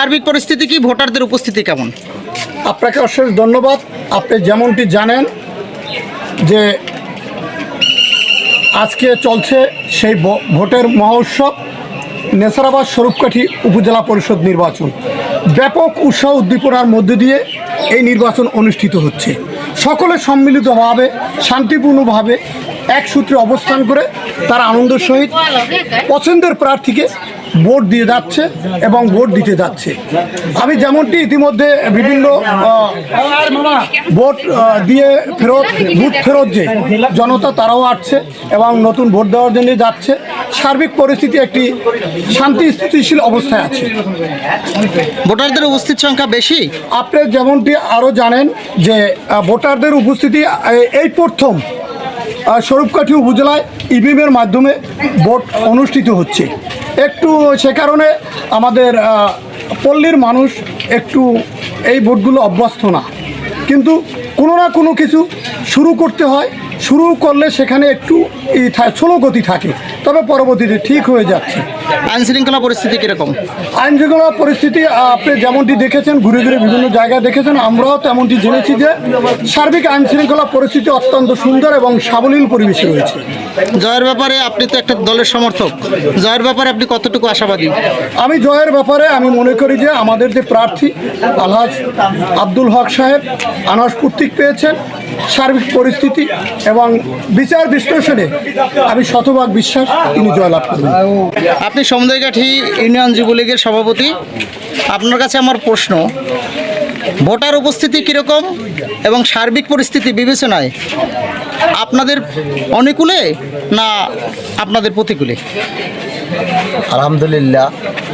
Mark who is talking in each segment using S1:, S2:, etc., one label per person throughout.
S1: সার্বিক পরিস্থিতি কি, ভোটারদের উপস্থিতি কেমন?
S2: আপনাকে অশেষ ধন্যবাদ। আপনি যেমনটি জানেন যে আজকে চলছে সেই ভোটের মহোৎসব, নেসারাবাদ স্বরূপকাঠি উপজেলা পরিষদ নির্বাচন। ব্যাপক উৎসাহ উদ্দীপনার মধ্য দিয়ে এই নির্বাচন অনুষ্ঠিত হচ্ছে। সকলে সম্মিলিতভাবে শান্তিপূর্ণভাবে এক সূত্রে অবস্থান করে তারা আনন্দের সহিত পছন্দের প্রার্থীকে ভোট দিয়ে যাচ্ছে এবং ভোট দিতে যাচ্ছে। আমি যেমনটি ইতিমধ্যে বিভিন্ন ভোট দিয়ে বুথ ফেরত যে জনতা তারাও আসছে এবং নতুন ভোট দেওয়ার জন্য যাচ্ছে। সার্বিক পরিস্থিতি একটি শান্তি স্থিতিশীল অবস্থায় আছে।
S1: ভোটারদের উপস্থিত সংখ্যা বেশি?
S2: আপনি যেমনটি আরও জানেন যে ভোটারদের উপস্থিতি এই প্রথম স্বরূপকাঠি উপজেলায় ইভিএমের মাধ্যমে ভোট অনুষ্ঠিত হচ্ছে। একটু সে কারণে আমাদের পল্লীর মানুষ একটু এই ভোটগুলো অভ্যস্ত না, কিন্তু কোনো না কোনো কিছু শুরু করতে হয়। শুরু করলে সেখানে একটু স্লো গতি থাকে, তবে পরবর্তীতে ঠিক হয়ে যাচ্ছে।
S1: আইনশৃঙ্খলা পরিস্থিতি কীরকম?
S2: আইনশৃঙ্খলা পরিস্থিতি আপনি যেমনটি দেখেছেন, ঘুরে ঘুরে বিভিন্ন জায়গায় দেখেছেন, আমরাও তেমনটি জেনেছি যে সার্বিক আইনশৃঙ্খলা পরিস্থিতি অত্যন্ত সুন্দর এবং সাবলীল পরিবেশে রয়েছে।
S1: জয়ের ব্যাপারে আপনি তো একটা দলের সমর্থক, জয়ের ব্যাপারে আপনি কতটুকু আশাবাদী?
S2: আমি জয়ের ব্যাপারে আমি মনে করি যে আমাদের যে প্রার্থী আলহাজ আব্দুল হক সাহেব আনাস কর্তৃক পেয়েছেন, সার্বিক পরিস্থিতি এবং বিচার বিশ্লেষণে আমি শতভাগ বিশ্বাস তিনি জয়লাভ করবেন।
S1: আপনি সমুদ্রঘাটি ইউনিয়ন যুবলীগের সভাপতি, আপনার কাছে আমার প্রশ্ন, ভোটার উপস্থিতি কীরকম এবং সার্বিক পরিস্থিতি বিবেচনায় আপনাদের অনুকূলে না আপনাদের প্রতিকূলে?
S3: আলহামদুলিল্লাহ,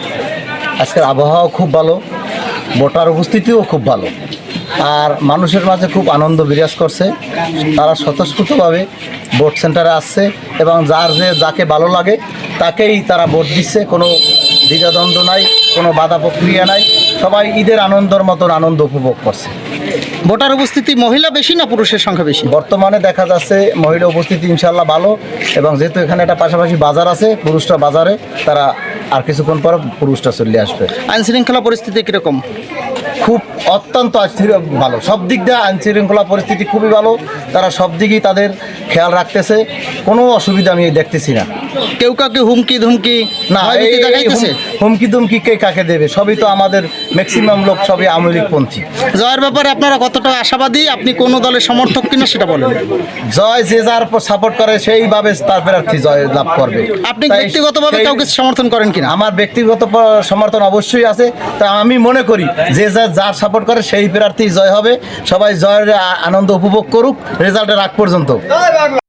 S3: আজকের আবহাওয়াও খুব ভালো, ভোটার উপস্থিতিও খুব ভালো, আর মানুষের মাঝে খুব আনন্দ বিরাজ করছে। তারা স্বতঃস্ফূর্তভাবে ভোট সেন্টারে আসছে এবং যাকে ভালো লাগে তাকেই তারা ভোট দিচ্ছে। কোনো দ্বিধাদ্বন্দ্ব নাই, কোনো বাধা প্রক্রিয়া নাই, সবাই ঈদের আনন্দের মতন আনন্দ উপভোগ করছে।
S1: ভোটার উপস্থিতি মহিলা বেশি না পুরুষের সংখ্যা বেশি?
S3: বর্তমানে দেখা যাচ্ছে মহিলা উপস্থিতি ইনশাল্লাহ ভালো, এবং যেহেতু এখানে একটা পাশাপাশি বাজার আছে, পুরুষরা বাজারে, তারা আর কিছুক্ষণ পর পুরুষটা চলে আসবে।
S1: আইনশৃঙ্খলা পরিস্থিতি কীরকম?
S3: খুব অত্যন্ত ভালো, সব দিক দিয়ে আইনশৃঙ্খলা পরিস্থিতি খুবই ভালো। তারা সব দিকেই তাদের খেয়াল রাখতেছে, কোনো অসুবিধা আমি দেখতেছি না।
S1: কেউ কাউকে হুমকি ধুমকি
S3: না, হুমকি দুমকি কে কাকে দেবে? সবই তো আমাদের ম্যাক্সিমাম লোক সবই আওয়ামী লীগপন্থী।
S1: জয়ের ব্যাপারে আপনারা কতটা আশাবাদী? আপনি কোন দলের সমর্থক কিনা সেটা বলেন।
S3: জয় যে যার সাপোর্ট করে সেইভাবে তার প্রার্থী জয় লাভ করবে।
S1: আপনি ব্যক্তিগতভাবে কাউকে সমর্থন করেন কিনা?
S3: আমার ব্যক্তিগত সমর্থন অবশ্যই আছে। তা আমি মনে করি যে যার সাপোর্ট করে সেই প্রার্থী জয় হবে। সবাই জয়ের আনন্দ উপভোগ করুক রেজাল্টের আগ পর্যন্ত।